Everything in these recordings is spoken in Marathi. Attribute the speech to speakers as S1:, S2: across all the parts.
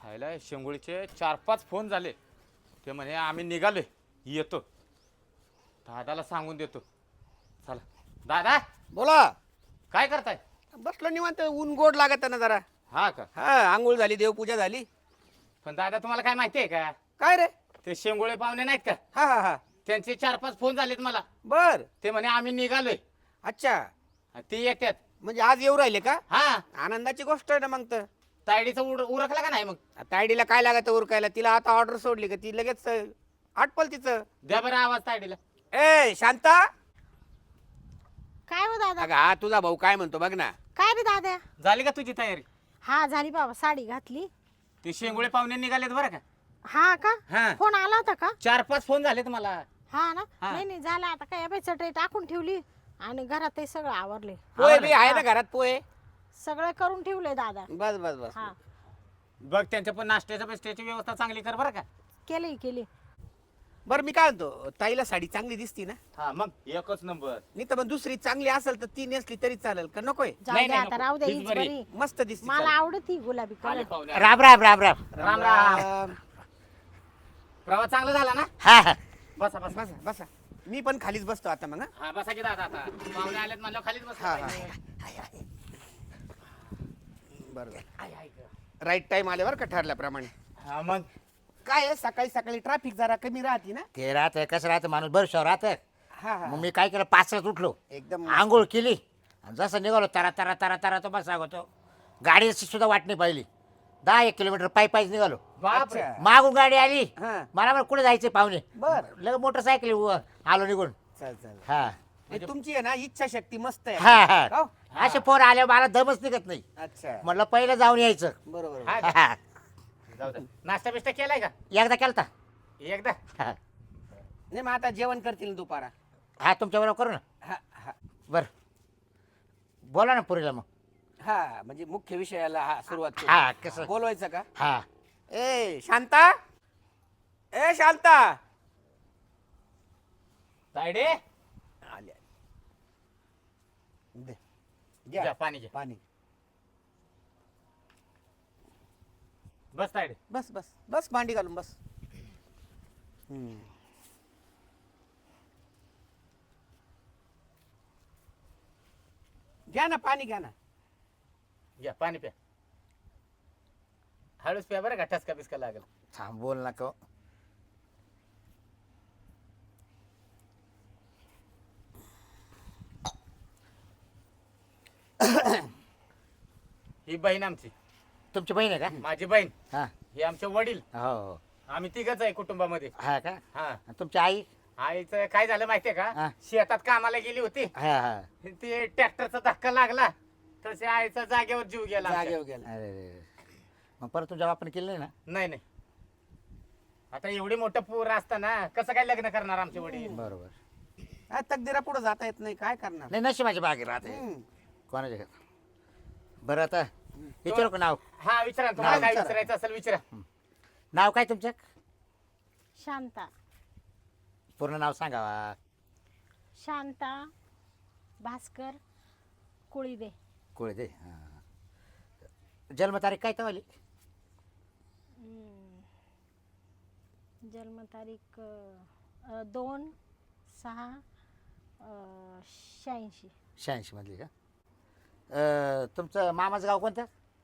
S1: खायला शेंगोळीचे 4-5 फोन झाले. ते म्हणे आम्ही निघालोय, येतो. दादाला सांगून देतो. चला दादा,
S2: बोला.
S1: काय करताय?
S2: बसलो निवांत, ऊन गोड लागत ना जरा.
S1: हा का?
S2: हा, आंघोळ झाली, देवपूजा झाली.
S1: पण दादा तुम्हाला काय माहिती आहे का?
S2: काय रे?
S1: ते शेंगोळे पाहुणे नाहीत का,
S2: हा हा हा.
S1: त्यांचे 4-5 फोन झालेत मला.
S2: बर.
S1: ते म्हणे आम्ही निघालोय,
S2: अच्छा,
S1: ते येतात.
S2: म्हणजे आज येऊ राहिले का?
S1: हा,
S2: आनंदाची गोष्ट आहे ना मग तर.
S1: तायडीचं उरकला का नाही मग?
S2: तायडीला काय लागत उरकायला? तिला आता ऑर्डर सोडली का ती लगेच आटपल तिचं.
S1: द्या बरं आवाज तायडीला.
S2: ए शांता,
S3: काय हो दादा?
S2: अगं हा तुझा भाऊ काय म्हणतो बघ ना.
S3: काय रे दादा?
S1: झाली का तुझी तयारी?
S3: हा झाली बाबा, साडी घातली.
S1: ते शेंगोळे पाहुणे निघालेत बरं का.
S3: हा का?
S1: हा.
S3: फोन आला होता का?
S1: 4-5 फोन झालेत मला.
S3: हा ना.
S1: हा.
S3: नाही नाही झालं आता, काय बाई चटई टाकून ठेवली आणि घरात सगळं आवरले.
S2: पोहे बी आहे ना घरात पोहे?
S3: सगळं करून ठेवले दादा.
S2: बस बस बस.
S3: हा
S1: बघ त्यांच्या पण नाश्त्याच्या बिस्ट्याची व्यवस्था चांगली कर बरं का.
S3: केली.
S2: बर मी काय म्हणतो, ताईला साडी चांगली दिसती ना?
S1: हा मग एकच नंबर.
S2: नाही तर मग दुसरी चांगली असेल तर ती नेसली तरी चालेल का? नकोय?
S3: जाऊ
S1: नाही,
S3: दे
S1: नाही,
S3: आता,
S1: नको.
S3: राहू दे.
S1: हीच
S3: हीच
S1: बरी.
S3: बरी.
S2: मस्त दिसती.
S3: मला आवडती गुलाबी
S1: आले
S3: कलर.
S1: पाहुणे.
S4: राम राम राम राम.
S1: राम राम. प्रवास चांगला झाला ना?
S4: हा हा.
S1: बसा बसा.
S2: बसा बसा. मी पण खालीच बसतो आता मग.
S1: हा बसा की दादा, आता पाहुणे आलेत म्हणल्यावर खालीच
S2: हा, हा.
S1: बसा.
S2: बरोबर. राईट टाइम आल्यावर का ठरल्याप्रमाणे.
S1: हा मग
S2: काय आहे, सकाळी सकाळी ट्रॅफिक जरा कमी राहते ना.
S4: ते राहत कसं राहतं माणूस बरं राहतं.
S2: हा हा.
S4: मग मी काय केलं, 5 उठलो,
S2: एकदम
S4: आंघोळ केली आणि जसं निघालो तरा तरा तरा तरा तो बस सांगतो, गाडीची सुद्धा वाट नाही पाहिली. 10-1 किलोमीटर पायीच निघालो.
S1: बापरे.
S2: अच्छा.
S4: मागून गाडी आली,
S2: हा.
S4: मला कुठे जायचे पाहुणे.
S2: बर.
S4: लगेच मोटरसायकल आलो निघून.
S2: चल चल.
S4: हा
S2: म्हणजे तुमची आहे ना इच्छा शक्ती मस्त आहे.
S4: हा हा.
S2: हो?
S4: असे पोर आल्यावर मला दमच निघत नाही.
S2: अच्छा.
S4: म्हटलं पहिलं जाऊन यायचं.
S2: बरोबर.
S1: हा.
S4: हा.
S1: जाऊ दे. नाश्ता बिस्टा केलाय का?
S4: एकदा केलता.
S1: एकदा.
S4: हा
S2: नाही मग आता जेवण करतील दुपारा.
S4: हा, तुमच्या बरोबर करू ना.
S2: हा हा.
S4: बरं बोला ना पुरीला मग.
S2: हा म्हणजे मुख्य विषयाला हा सुरुवात करू.
S4: हा कसं.
S2: बोलवायचं का?
S4: हा
S2: ए शांता, ए शांता.
S1: तायडे
S2: आले. दे.
S1: घ्या
S2: घ्या
S1: पाणी घ्या.
S2: पाणी.
S1: बस तायडे.
S2: बस बस बस, भांडी घालून बस. घ्या ना पाणी, घ्या ना.
S1: घ्या पाणी प्या. हळूच प्या बरं का, ठसका बिस्का लागेल.
S4: थांब, बोल नका.
S1: ही बहीण आमची,
S4: तुमची बहीण आहे का?
S1: माझी बहीण.
S4: हा
S1: हे आमचे वडील.
S4: हो हो.
S1: आम्ही तिघच आहे कुटुंबामध्ये.
S4: हा का?
S1: हा.
S4: आणि तुमची आई?
S1: आईचं काय झालं माहितीये
S4: हा.
S1: का, शेतात कामाला गेली होती.
S4: हा हा.
S1: ते ट्रॅक्टरचा धक्का लागला, तसे आईचा जागेवर जीव गेला आमच्या.
S2: जागेवर गेला.
S4: अरे मग परत तुमच्या बापाने केलं नाही ना?
S1: नाही नाही. आता एवढी मोठं पूर असताना कसं काय लग्न करणार आमचे वडील?
S4: बरोबर.
S2: हा, तकदीरा पुढे जाता येत नाही, काय करणार.
S4: नाही, नशिबाची बागे राहते
S2: हम्म.
S4: कोणाच्या. बरं आता विचारू का नाव?
S1: हा विचारा ना, तुम्हाला
S2: नाव
S1: काय
S2: विचारा.
S1: विचारायचं असेल विचारा.
S4: नाव काय तुमचं?
S3: शांता.
S4: पूर्ण नाव सांगावा.
S3: शांता भास्कर कुळीदे.
S4: कोळी दे. हा. जन्मतारीख काय तवाली?
S3: जन्मतारीख 2/6/86.
S4: 86 मधली का? तुमचं मामाचं गाव कोणतं?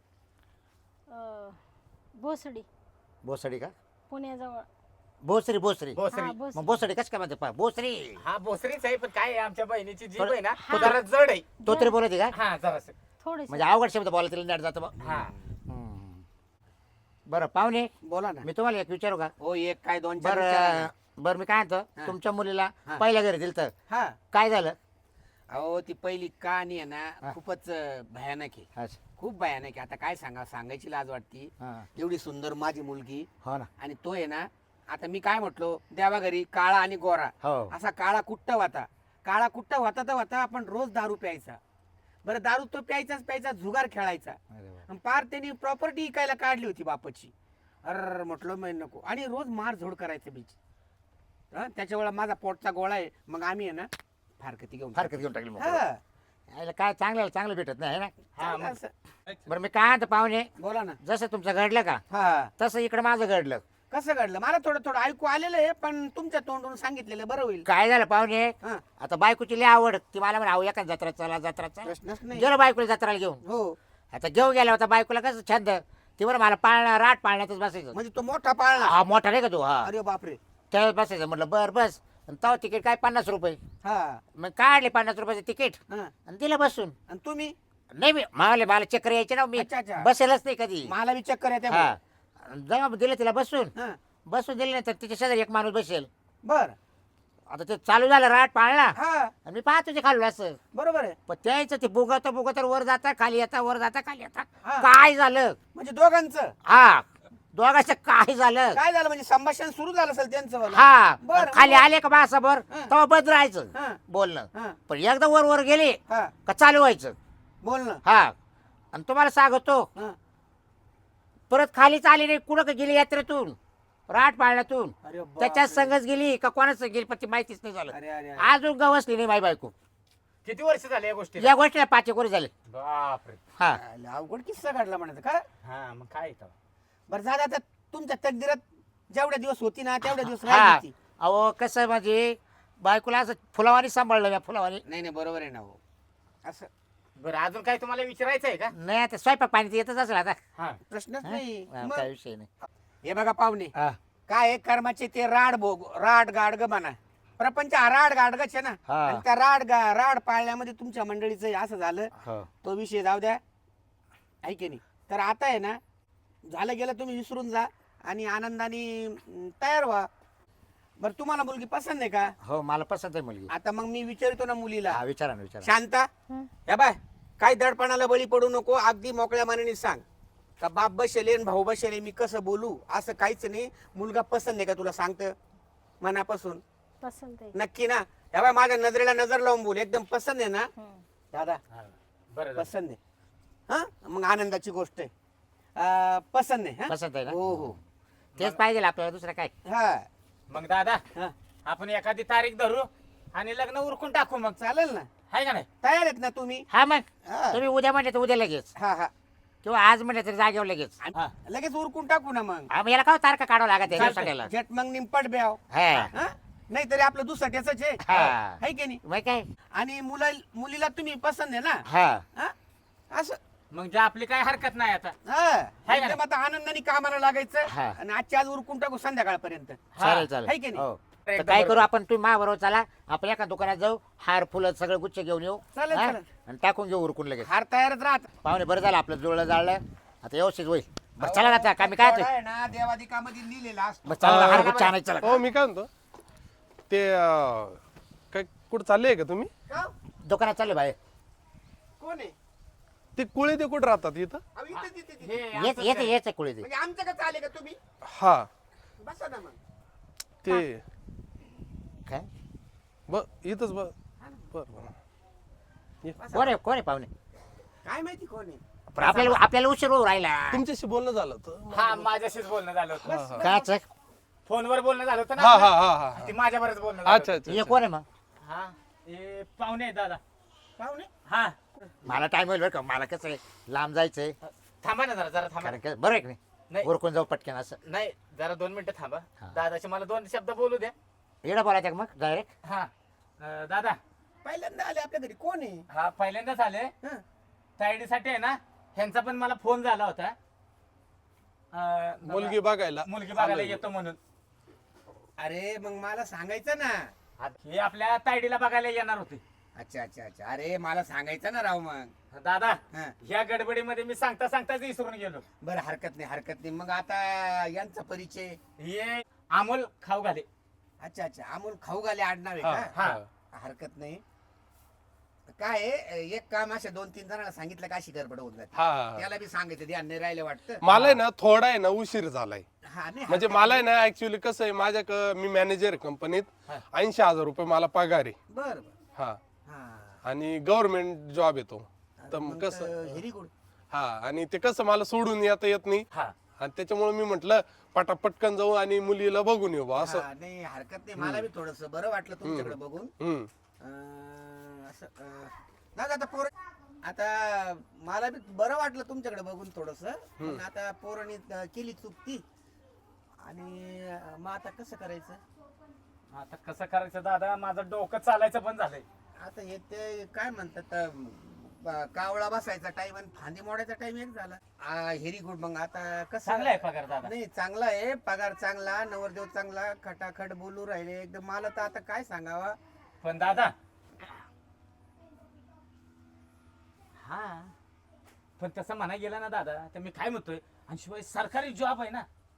S3: भोसडी,
S4: भोसडी का?
S3: पुण्याजवळ.
S4: भोसरी भोसरी.
S1: भोसरी.
S3: हा, भोसडी.
S4: मग भोसडी कसं काय म्हणते भोसरी?
S1: हा भोसरीच आहे, पण काय आहे, आमच्या बहिणीची जीभ आहे ना,
S3: हा.
S1: जरा जड आहे.
S4: तो तरी बोलते का?
S1: हा जरासं.
S3: थोडीशी.
S4: म्हणजे अवघड शब्द बोला तिला नेट जातं मग.
S1: हा.
S4: बरं पाहुणे,
S2: बोला ना.
S4: मी तुम्हाला एक विचारू का?
S2: हो, एक काय 2-4 विचारा
S4: बरं
S2: ना.
S4: बरं, मी काय म्हणतो,
S2: हा.
S4: तुमच्या मुलीला
S2: हा.
S4: पहिल्या घरी दिलं तर
S2: हा.
S4: काय झालं?
S2: अहो ती पहिली कहाणी आहे
S4: हा.
S2: ना, खूपच भयानक आहे.
S4: अच्छा.
S2: खूप भयानक आहे. आता काय सांगायची लाज वाटती.
S4: हा.
S2: एवढी सुंदर माझी मुलगी,
S4: हो ना.
S2: आणि तो आहे ना, आता मी काय म्हटलो, देवा घरी काळा आणि गोरा,
S4: हो.
S2: असा काळा कुट्ट होता. काळा कुट्ट होता तर होता, आपण रोज दारू प्यायचा. बरं, दारू तो प्यायचा, जुगार खेळायचा.
S4: अरे वा.
S2: आणि पार त्यांनी प्रॉपर्टी विकायला काढली होती बापाची. अर म्हटलं मी नको, आणि रोज मारझोड करायचं बीच. त्याच्या वेळा माझा पोटचा गोळा आहे, मग आम्ही आहे ना फारकती घेऊन
S4: फारकत घेऊन टाकली मग.
S2: हा.
S4: यायला काय चांगलं भेटत नाही है ना.
S1: हा मग
S2: असं.
S4: बरं मी काय म्हणतो पाहुणे,
S2: बोला ना.
S4: जसं तुमचं घडलं का
S2: हा
S4: तसं इकडे माझं घडलं.
S2: कसं घडलं मला थोडं थोडं ऐकू आलेलं आहे, पण तुमच्या तोंडून सांगितलेलं बरं होईल.
S4: काय झालं पाहुणे,
S2: हा
S4: आता बायकोची लय आवड, ती मला म्हणे आहो एका जत्रा चला
S2: प्रश्नच नाही.
S4: गेलो बायकोला जत्राला घेऊन.
S2: हो
S4: आता घेऊन गेला होता बायकोला कसं छंद, ती बरं मला राट पाळण्यातच बसायचं.
S2: म्हणजे तो मोठा पाळणा.
S4: हा मोठा नाही का तू, हा
S2: अरे बापरे.
S4: त्यावेळेस बसायचं. म्हटलं बर बस. आणि तेव्हा तिकीट काय 50 रुपये.
S2: हा
S4: मग काढले 50 रुपयाचं तिकीट
S2: हा.
S4: आणि दिलं बसून.
S2: आणि तुम्ही
S4: नाही मला चक्कर यायचे ना, मी
S2: अच्छा, अच्छा.
S4: बसेलच नाही कधी.
S2: मला बी चक्कर येते.
S4: हा जेव्हा दिलं तिला बसून दिलं नाही तर तिच्या शेजारी एक माणूस बसेल.
S2: बर.
S4: आता ते चालू झालं राट पाळला
S2: हा
S4: आणि मी पाहतो ते खाल्लं असं.
S2: बरोबर आहे.
S4: पण त्याचं ते बुगत वर जाता खाली येता, वर जाता खाली येता.
S2: हा.
S4: काय झालं
S2: म्हणजे दोघांचं
S4: हा दोघांचं काय झालं
S2: काय झालं, म्हणजे संभाषण सुरू झालं असेल त्यांचं वालं.
S4: हा
S2: बरं,
S4: खाली
S2: बरं.
S4: आले का मासाभर
S2: हा.
S4: तेव्हा बंद राहायचं
S2: हा
S4: बोलणं.
S2: हा
S4: पण एकदा वर गेले
S2: हा
S4: का चालू व्हायचं.
S2: बोल ना.
S4: हा आणि तुम्हाला सांगतो
S2: हा.
S4: परत खालीच आली नाही, कुठं गेली यात्रेतून राट पाळण्यातून.
S2: अरे बापरे.
S4: त्याच्यात संगच गेली का कोणाच गेली पण ती माहितीच नाही झालं.
S2: अरे अरे अरे.
S4: अजून गवसली नाही माई बायको.
S1: किती वर्ष झाले या गोष्टी?
S4: या गोष्टीला 5 एक वर्ष झाले.
S1: बापरे.
S4: हा
S2: आले, अवघड किस्सा घडला म्हणायचं का.
S1: हा मग काय इथं?
S2: बरं झालं आता तुमच्या तकदीरात जेवढ्या दिवस होती ना तेवढ्या दिवस
S4: हा
S2: राहिली ती.
S4: अहो कसं म्हणजे बायकोला असं फुलावानी सांभाळलं मी, फुलावानी.
S2: नाही नाही बरोबर आहे ना हो. असं
S1: बरं अजून काय तुम्हाला विचारायचं आहे का?
S4: नाही आता स्वयंपाक पाणी तर येतच असेल आता.
S1: हा
S2: प्रश्नच
S4: हा?
S2: नाही.
S4: हा,
S2: मग
S4: काय विषय नाही.
S2: हे बघा पाहुणे,
S4: हा.
S2: काय आहे, कर्माचे ते राड गाडग म्हणा. प्रपंच हा राड गाडगच आहे ना.
S4: हा.
S2: आणि त्या राड पाळण्यामध्ये तुमच्या मंडळीचं हे असं झालं.
S4: हो.
S2: तो विषय जाऊ द्या, आहे की नाही. तर आता आहे ना, झालं गेलं तुम्ही विसरून जा आणि आनंदाने तयार व्हा. बरं तुम्हाला मुलगी पसंत आहे का?
S4: हो मला पसंत आहे मुलगी.
S2: आता मग मी विचारतो ना मुलीला.
S4: हा विचारा ना विचारा.
S2: शांता, या बाय, काय दडपणाला बळी पडू नको. अगदी मोकळ्या मनाने सांग का बाप बसेले भाऊ बसेले, मी कसं बोलू असं काहीच नाही. मुलगा पसंत आहे का तुला सांगतं मनापासून?
S3: पसंत आहे.
S2: नक्की ना? या बाय माझ्या नजरेला नजर लावून बोल, एकदम पसंत आहे ना दादा?
S1: हा. बरं झालं.
S2: पसंत आहे. हा मग आनंदाची गोष्ट आहे. पसंत आहे. हा?
S4: पसंत आहे ना?
S2: हो हो.
S4: तेच पाहिजे आपल्याला, दुसरं काय.
S2: हा
S1: मग दादा
S2: हा
S1: आपण एखादी तारीख धरू आणि लग्न उरकून टाकू मग.
S2: चालेल ना.
S1: आहे का नाही?
S2: तयार आहेत ना तुम्ही?
S4: हा मग
S2: हा
S4: तुम्ही उद्या म्हणले तर उद्या लगेच,
S2: हा हा.
S4: किंवा आज म्हणले तर जागेवर लगेच.
S1: हा.
S2: लगेच उरकून टाकू ना मग.
S4: हा, मग याला काय तारखा काढावं लागत आहे
S1: चालतंय.
S4: सगळ्याला.
S2: झट मग निंपट ब्याव.
S4: हा
S2: नाही तरी आपलं दुसरं त्याच आहे.
S4: हा.
S2: है की नाही?
S4: मग काय.
S2: आणि मुलीला तुम्ही पसंत आहे ना?
S4: हा
S2: हा? असं
S1: मग जे आपली काय हरकत नाही आता.
S2: हा.
S1: है का
S2: एकदम आता आनंदाने कामाला लागायचं
S4: हा.
S2: आणि आजच्या आज उरकून टाकू संध्याकाळपर्यंत.
S4: चालेल
S2: है की
S4: चालेल.
S2: नाही?
S4: हो तर
S1: एकदम
S4: काय करू
S1: बरोबर.
S4: आपण, तुम्ही माझ्याबरोबर चला, आपण एका दुकानात जाऊ, हार फुलं सगळं गुच्छ घेऊन येऊ.
S2: चालेल,
S4: हा?
S2: चालेल.
S4: आणि टाकून घेऊ उरकून लगेच.
S2: हार तयारच राहत.
S4: पाहुणे बरं झालं आपलं जुळलं जाळलं, आता व्यवस्थित होईल. बरं चला ना आता का मी काय
S2: तेवढा
S4: ते
S2: आहे ना देवादिकामध्ये लिहिलेला असतो.
S4: बरं चला हार गुच्छ आणायचं चला.
S5: हो मी काय म्हणतो ते काय कुठं चालले का तुम्ही?
S2: का?
S4: दुकानात चालले बाहेर.
S2: कोण आहे?
S5: ते कुळे ते कुठं राहतात इथं?
S2: अहो, इथंच, इथंच, इथंच.
S1: हे
S4: येच
S1: असंच
S4: येच
S1: आहे.
S4: येच कुळे ते.
S2: म्हणजे आमच्या का आले का तुम्ही?
S5: हा
S2: बसा ना मग.
S5: ते
S4: काय
S5: इथंच बर बर.
S4: कोण आहे पाहुणे?
S2: काय माहिती कोण आहे?
S4: पण आपल्याला उशीर होऊ राहिला.
S5: तुमच्याशी बोलणं झालं होतं.
S1: हा माझ्याशीच बोलणं झालं होतं.
S4: काच
S1: फोनवर बोलणं झालं होतं
S5: हा
S1: ना
S5: हा
S1: आपलं?
S5: हा हा
S1: ती माझ्यावरच बोलणं झालं
S5: अच्छा
S1: होतं.
S5: अच्छा
S4: हे कोण आहे मग?
S1: हा हे पाहुणे आहेत दादा.
S2: पाहुणे?
S1: हा
S4: मला टाइम होईल बरं का, मला कसं आहे लांब जायचंय.
S1: थांबा ना जरा थांबा
S4: कारण
S1: ना.
S4: का- बरं आहे की नाही,
S1: नाही
S4: उरकून जाऊ पटकन असं.
S1: नाही जरा 2 मिनिटं थांबा.
S4: हा.
S1: दादाचे मला 2 शब्द बोलू द्या.
S4: येडा बोलायचं का मग डायरेक्ट?
S1: हा दादा
S2: पहिल्यांदा आले आपल्या घरी. कोण आहे?
S1: हा पहिल्यांदाच आले.
S2: हं.
S1: तायडीसाठी आहे ना, ह्यांचा पण मला फोन झाला होता.
S5: मुलगी बघायला
S1: मुलगी बघायला येतो म्हणून.
S2: अरे मग मला सांगायचं ना.
S1: हे आपल्या तायडीला बघायला येणार होते.
S2: अच्छा अच्छा अच्छा. अरे मला सांगायचं ना राव मग.
S1: दादा
S2: हं.
S1: ह्या गडबडीमध्ये मी सांगता सांगताच विसरून गेलो.
S2: बरं हरकत नाही हरकत नाही. मग आता यांचा परिचय.
S1: हे अमोल खाऊ घाले.
S2: अच्छा अच्छा. अमोल खाऊ घाले आडनाव आहे
S5: हा
S2: का?
S5: हा
S2: हरकत नाही. काय आहे, एक काम अशा 2-3 जणांना सांगितलं का अशी गडबड होऊन जाते.
S5: हा
S2: त्याला बी सांगायचं ध्यान नाही राहिलं वाटतं.
S5: मला आहे ना थोडा आहे ना उशीर झालाय.
S2: हा नाही
S5: म्हणजे मला आहे ना ऍक्च्युली कसं आहे मी मॅनेजर कंपनीत.
S1: हा.
S5: 80,000 रुपये मला पगार आहे.
S2: बर बर.
S5: हा
S2: हा.
S5: आणि गव्हर्नमेंट जॉब येतो. तर
S2: मग
S5: मग कसं
S2: व्हेरी गुड.
S5: हा आणि ते कसं मला सोडून येता येत नाही.
S1: हा
S5: आणि त्याच्यामुळे मी म्हटलं पटकन जाऊ आणि मुलीला बघून येऊ बा असं.
S2: नाही हरकत नाही. मला बी थोडस बरं वाटलं तुमच्याकडे बघून.
S5: हम्म.
S2: असं दादा आता पोर आता मला बी बरं वाटलं तुमच्याकडे बघून थोडस पण आता पोरांनी केली चूक ती आणि मग आता कसं करायचं
S1: आता कसं करायचं दादा, माझं डोकं चालायचं पण झालंय.
S2: आता हे ते काय म्हणतात कावळा बसायचा टाइम आणि फांदी मोडायचा टाइम एक झाला व्हेरी गुड. मग आता कसं
S1: चांगला आहे पगार दादा.
S2: नाही चांगला आहे पगार चांगला नवरदेव चांगला खटाखट बोलू राहिले एकदम. मला तर आता काय सांगावा.
S1: पण दादा हा पण तसं म्हणा गेला ना दादा तर मी काय म्हणतोय, आणि शिवाय सरकारी जॉब आहे ना.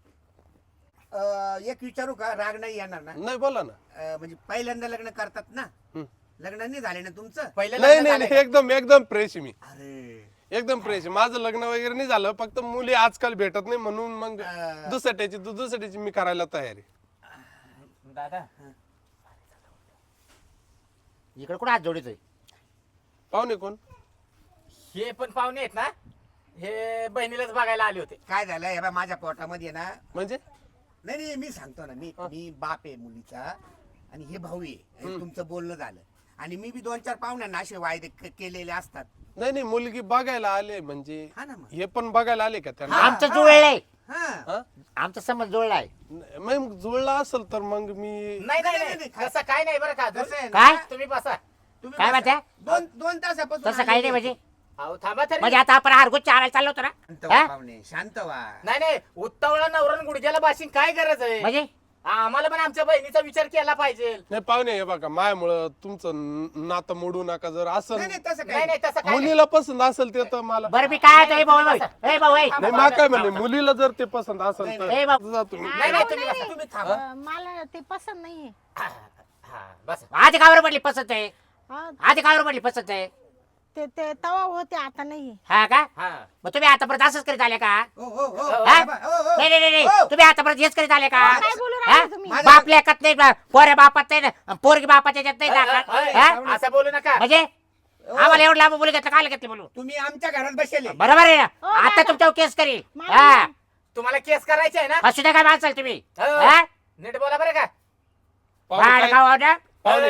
S2: एक विचारू का, राग नाही येणार ना?
S5: नाही बोला ना.
S2: म्हणजे पहिल्यांदा लग्न करतात ना, लग्न नाही झाले ना तुमचं?
S5: नाही नाही नाही, एकदम एकदम फ्रेश आहे मी,
S2: अरे
S5: एकदम फ्रेश आहे. माझं लग्न वगैरे नाही झालं, फक्त मुली आजकाल भेटत नाही म्हणून मग दुसऱ्याची मी करायला तयार आहे.
S1: दादा
S4: इकडे कुठं हात जोडीतोय?
S5: पाहुणे कोण?
S1: हे पण पाहुणे आहेत ना, हे बहिणीलाच बघायला आले होते.
S2: काय झालं हे बा माझ्या पोटामध्ये ना,
S5: म्हणजे
S2: नाही नाही मी सांगतो ना, मी बाप आहे मुलीचा आणि हे भाऊ आहे. आणि तुमचं बोलणं झालं आणि मी बी 2-4 पाहुण्यांना असे वायदे केलेले असतात.
S5: नाही नाही, मुलगी बघायला आले म्हणजे
S2: हा ना मग.
S5: हे पण बघायला आले का त्यांना?
S4: आमचं जुळलंय,
S2: हा
S5: हा?
S4: आमचा संबंध जुळलाय.
S5: मग जुळला असेल तर मग मी
S1: नाही नाही
S2: नाही,
S1: नाही,
S2: नाही,
S1: तसं काय नाही बरं का.
S2: कसं आहे ना,
S4: काय?
S1: तुम्ही बसा.
S2: तुम्ही
S4: काय
S2: बसा.
S4: म्हणताय?
S2: दोन तासापासून
S4: तसं काही नाही म्हणजे.
S1: अहो थांबा तरी.
S4: म्हणजे आता आपण हारगुच चारायला चाललो होतो
S2: शांत
S4: ना,
S2: व्हा
S4: हा?
S2: पाहुणे, शांत व्हा.
S1: नाही नाही, उत्तावळा नवरण गुडघ्याला बाशिंग काय गरज आहे?
S4: म्हणजे
S1: आम्हाला पण आमच्या बहिणीचा विचार केला पाहिजे.
S5: नाही पाहुणे, हे बघा मायामुळं तुमचं नातं मोडू नका. जर असं
S2: नाही नाही तसं
S1: नाही
S2: काय
S1: नाही तसं काय नाही.
S5: मुलीला पसंत असेल ते तर मला
S4: बरं मी काय होतो, ए भाऊ ए भाऊ ए
S5: नाही मा काय म्हणले, मुलीला जर ते पसंत असेल तर
S4: ए बाबा.
S5: जा तुम्ही.
S1: नाही नाही तुम्ही बसा.
S2: तुम्ही थांबा.
S3: मला ते पसंत नाहीये.
S1: हा, बसा.
S4: आधी कावर पडली पसंत आहे,
S3: हा,
S4: आधी कावर पडली पसंत आहे.
S3: ते तवा होते आता नाहीये.
S4: हा का?
S1: हा.
S4: मग तुम्ही आतापर्यंत असंच करीत आले का?
S2: हो हो हो
S4: हा?
S2: बाबा, हो, हो.
S4: नाही नाही नाही
S2: हो.
S4: तुम्ही आतापर्यंत हेच करीत आले का?
S3: काय बोलू
S4: हा?
S3: राहिले तुम्ही?
S4: बाप लेखत नाही, पोऱ्या बापात नाही ना, पोरगी बापाच्या याच्यात नाही दाखल. हा?
S1: असं बोलू नका.
S4: म्हणजे आम्हाला एवढं लांब बोलू घेतलं, काय घेतलं बोलू?
S2: तुम्ही आमच्या घरात बसले.
S4: बरोबर आहे ना?
S3: हो,
S4: आता
S3: दादा.
S4: तुमच्यावर केस करील.
S3: मला
S4: हा
S1: तुम्हाला केस करायचे आहे ना?
S4: असू द्या काय माणसाल तुम्ही.
S1: हो.
S4: हा?
S1: नीट बोला बरं का.
S5: पाहुणे
S4: भाड
S5: काय-
S4: खाऊ द्या.
S5: पाहुणे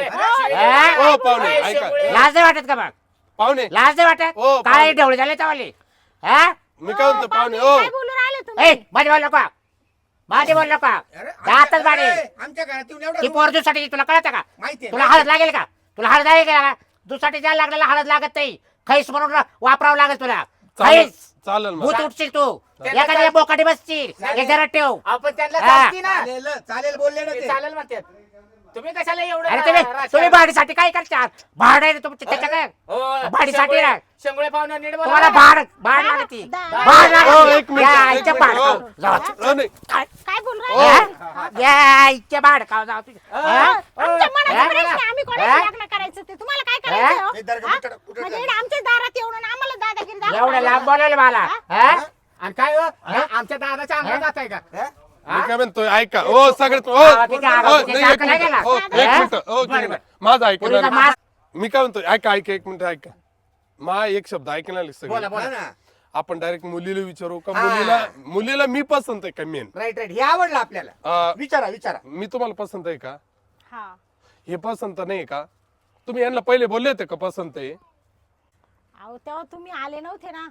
S4: हा?
S5: ओ पाहुणे ऐका,
S4: लाज नाही वाटत का मग?
S5: पाहुणे
S4: लाज नाही वाटत?
S5: हो,
S4: काय
S5: पाहुणे.
S4: ढवळे झाले तवाले? हा?
S5: मी काय म्हणतो पाहुणे, ओ
S3: काय बोलू राहिले
S4: ए
S3: तुम्ही?
S4: माझे बोल नका, माझे बोल नका.
S2: अरे,
S4: दातच बाडे.
S2: आमच्या घरात येऊन एवढा
S4: ती पोर दुसाठी तुला कळत का?
S2: माहिती
S4: तुला हळद लागेल का? तुला हळद लागेल का? दुसाठी ज्याला लागलेला हळद लागत नाही. खैस म्हणून वापरावं लागेल तुला.
S5: चालेल
S4: खैस
S5: चालेल मग.
S4: भूत उठशील तू,
S1: त्याला
S4: एखाद्या
S1: काय-
S4: बोकाटी बसशील. हे जरा ठेव.
S1: आपण त्यांना
S4: हा.
S1: चालती ना.
S2: चालेल चालेल बोलले ना
S1: ते
S2: ते.
S1: चालेल म्हणतात. तुम्ही कशाला एवढं
S4: अरे तुम्ही
S1: राजकारण-
S4: भाडीसाठी काय करता? भाड आहे तुमच्या त्याच्या काय?
S1: हो,
S4: भाडीसाठी
S1: शेंगुळे-
S4: ना.
S1: शेंगुळे पाहुणे नीट बोला.
S4: तुम्हाला भाड लागती. भाड
S5: हो,
S4: लागती.
S5: एक मिनिट,
S4: या,
S5: एक
S4: इथे
S5: मिनिट,
S4: भाड
S5: हो.
S4: खाऊ. जाऊ.
S5: हो, नाही.
S3: काय बोलू
S5: हो.
S3: राहिले?
S4: या, इथे भाड खाऊ जाऊ तुझ्या. हा?
S3: आमच्या मनात
S4: हा?
S3: प्रश्न आहे, आम्ही
S4: हा?
S3: कोणाशी लग्न करायचं ते तुम्हाला काय करायचं हो?
S2: हे दर्गा
S3: हा?
S2: कुठं- कुठं
S3: म्हणजे
S2: झालं?
S3: आमच्या दारात येऊन आणि आम्हाला दादागिरी दाखवायला
S4: एवढं लांब बोलवलं मला. हा?
S1: आणि काय हो? आमच्या दादाच्या अंगात जात आहे का?
S2: हा?
S5: मी काय म्हणतोय ऐका, ओ सगळ्यात ओ
S4: हा, तिथे आवाज-
S5: ओ,
S4: तिथे
S5: नाही, एक
S4: दाखल आहे
S5: मिनिट,
S4: का?
S5: ओ, एक
S4: हा?
S5: मिनिट, ओ, एक मिनिट. माझं ऐकणार
S4: पुरीचा मास-
S5: मी काय म्हणतोय ऐका ऐका एक मिनिट ऐका. मा एक शब्द ऐकणार
S1: बोला
S5: सगळं.
S1: बोला.
S2: हा ना.
S5: आपण डायरेक्ट मुलीला विचारू का?
S2: हा.
S5: मुलीला मी पसंत आहे का मेन?
S2: राईट राईट हे आवडलं आपल्याला. विचारा विचारा.
S5: मी तुम्हाला पसंत आहे का?
S3: हा.
S5: हे पसंत नाही का? तुम्ही यांना पहिले बोलले होते का पसंत आहे?
S3: अहो तेव्हा तुम्ही आले नव्हते ना,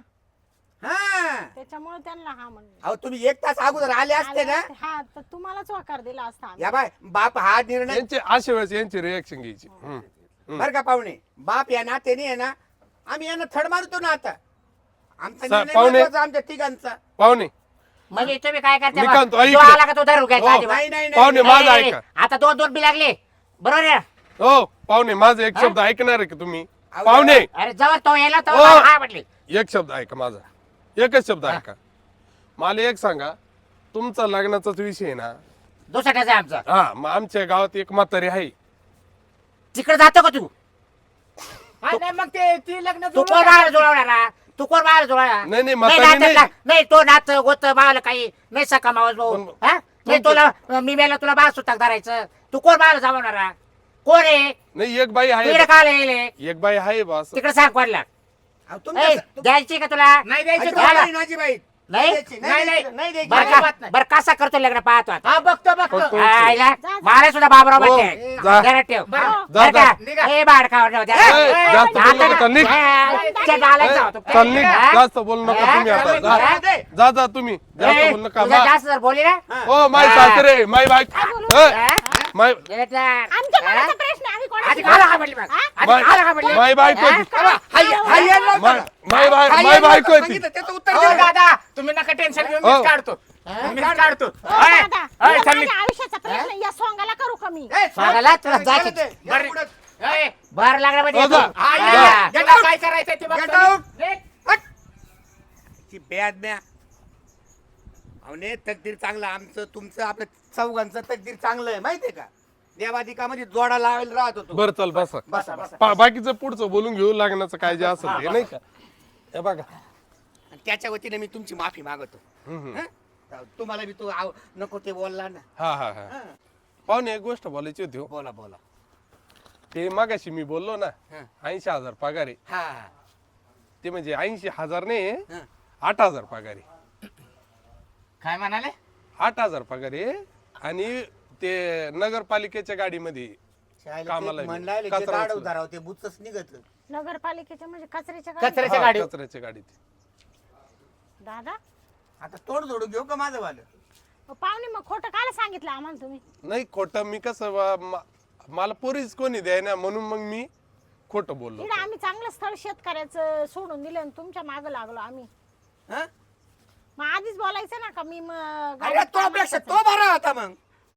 S2: हा
S3: त्याच्यामुळे त्यांना हा म्हणले.
S2: अहो तुम्ही 1 तास अगोदर आले असते ना.
S3: हा तर तुम्हालाच वाकार दिला असता आम्ही.
S2: या बाय बाप हा निर्णय
S5: यांचे अशा वेळेस यांची रिएक्शन घ्यायची.
S2: बर का पाहुणे, बाप या नात्याने आहे ना, आम्ही यांना थड मारतो ना आता. आमचा निर्णय
S5: पाहुणे-
S2: महत्वाचा आमच्या तिघांचा.
S5: पाहुणे
S4: म्हणजे तुम्ही काय करता
S5: मी
S4: मग?
S5: काय म्हणतो, ऐक
S4: जो
S5: ना.
S4: आला का तो धरू घ्यायचा
S5: हो.
S4: आधी.
S2: नाही नाही
S5: पाहुणे
S2: नाही
S5: माझं
S4: नाही,
S5: ऐका.
S4: आता 2-2 बी लागले. बरोबर आहे ना?
S5: हो पाहुणे माझा एक शब्द ऐकणार आहे का तुम्ही?
S2: अहो,
S5: पाहुणे
S4: अरे जवळ तो यायला तो
S5: हो.
S4: हा म्हटले.
S5: एक शब्द ऐका माझा, एकच शब्द ऐका. मला एक सांगा, तुमचा लग्नाचाच विषय आहे ना?
S4: दुसऱ्याचा आहे आमचा.
S5: हा, मग आमच्या गावात एक म्हातारी आहे.
S4: तिकडे जातो का तू?
S1: हा, नाही मग ते ती लग्न
S4: तू कोण बाहेर जुळवणार? तू कोण बाहेर जुळवणार?
S5: नाही, नाही,
S4: नाही
S5: म्हातारी
S4: नात्यातला-
S5: नाही.
S4: नाही तो नात गोत बाळाला काही नाही सका मावस भाऊ.
S5: पण-
S4: हा? नाही तुला मी मेला तुला बाळ सुताक धरायचं. तू कोण बाहेर जावणार? कोण आहे?
S5: नाही एक बाई
S4: तिकडे
S5: आहे,
S4: काल येईल
S5: एक बाई आहे बस.
S4: तिकडे सांग कोणला.
S2: अहो, तुमच्या-
S4: द्यायची का तुला?
S1: नाही द्यायची
S2: अजिबात
S1: तुम्हाला.
S2: नाही, माझी बाई.
S4: नाही
S2: द्यायची,
S1: नाही,
S2: द्यायची, नाही द्यायची.
S4: बरं
S1: अजिबात
S4: का
S1: नाही.
S4: बरं कसा करतो लग्न पाहतो आता
S1: हा बघतो बघतो
S5: हो,
S4: आईला
S3: जा.
S4: मला सुद्धा बाबराव
S5: हो,
S4: म्हणते
S5: जा.
S4: जरा ठेव
S1: बरं.
S5: जा,
S4: बरं
S5: जा.
S4: का?
S1: निघा.
S4: ए बाळ खावर नव्हत्या
S5: ए, जास्त बोलू नका, चल, निघ. चल निघ, जास्त बोलू नका तुम्ही आता जा तुम्ही जास्त बोलू नका
S4: जास्त जर बोलली ना
S5: ओ माय सासरे माय बाईक माय
S3: आमच्या मनाचा प्रश्न आहे, आम्ही
S4: आधी
S3: कोणाची-
S4: मला का म्हटली मग? आधी
S5: माय-
S4: मला का म्हटली?
S5: माय बायको होती. माय बायको होती.
S2: सांगितलं, त्याचं उत्तर
S1: हो,
S2: दे.
S1: दादा तुम्ही नका टेन्शन घेऊ
S5: हो.
S1: मीच काढतो मीच काढतो
S3: हो,
S1: अय,
S3: दादा,
S1: अय,
S3: तुला
S1: चल निघ.
S3: माझ्या आयुष्याचा प्रश्न या सोंगाला करू कमी
S2: ए,
S4: सांगायला तुला
S2: चालत
S4: जायचं.
S2: आहे. या
S1: बरं.
S2: पुढं.
S1: अय,
S4: बाहेर लागला म्हणजे
S5: हो, जा.
S4: येतो.
S1: हा,
S4: हा.
S1: या. याला काय करायचंय ते
S2: Get
S1: बघतो
S2: out.
S1: मी. निघ.
S2: ची बेअदम्या. अवने तकदीर चांगलं आमचं तुमचं आपलं चौघांचं तकदीर चांगलं आहे माहितीये का देवादिकामध्ये जोडा लावायला राहत होतो
S5: बरं चल बसा
S2: बसा बसा
S5: बाकीचं पुढचं बोलून घेऊ लागण्याचं काय जे असेल ते नाही का हे बघा
S2: आणि त्याच्या वतीने मी तुमची माफी मागवतो
S5: हम्म.
S2: हं? तुम्हाला बी तो नको ते बोलला ना
S5: हा हा हा
S2: हं.
S5: पाहुणे एक गोष्ट बोलायची होती हो.
S2: बोला बोला
S5: ते मागाशी मी बोललो ना
S2: हं.
S5: 80,000 पगार आहे
S2: हा
S5: ते म्हणजे 80,000 नाही
S2: हं.
S5: 8,000 पगार आहे
S1: काय म्हणाले
S5: 8,000 पगार आहे आणि ते नगरपालिकेच्या गाडीमध्ये कामाला आहे.
S2: म्हणला
S5: कचरा उचलून.
S2: उधाराव ते बुचच निघत
S3: नगरपालिकेच्या म्हणजे कचऱ्याच्या गाडीत.
S1: कचऱ्याच्या
S5: हा,
S1: गाडी
S5: कचऱ्याच्या गाडीत
S3: दादा
S2: आता तोड जोडू घेऊ का माझं वालं
S3: पाहुणे मग खोटं काल सांगितलं आम्हाला तुम्ही
S5: नाही खोटं मी कसं मला पोरीच कोणी द्याय ना म्हणून मग मी खोटं बोललो
S3: इकडे आम्ही चांगलं स्थळ शेतकऱ्याचं सोडून दिलं आणि तुमच्या मागं लागलो आम्ही
S2: हं?
S3: मग आधीच बोलायचं ना का मी मग
S2: अरे तो पेक्षा तो बरा होता मग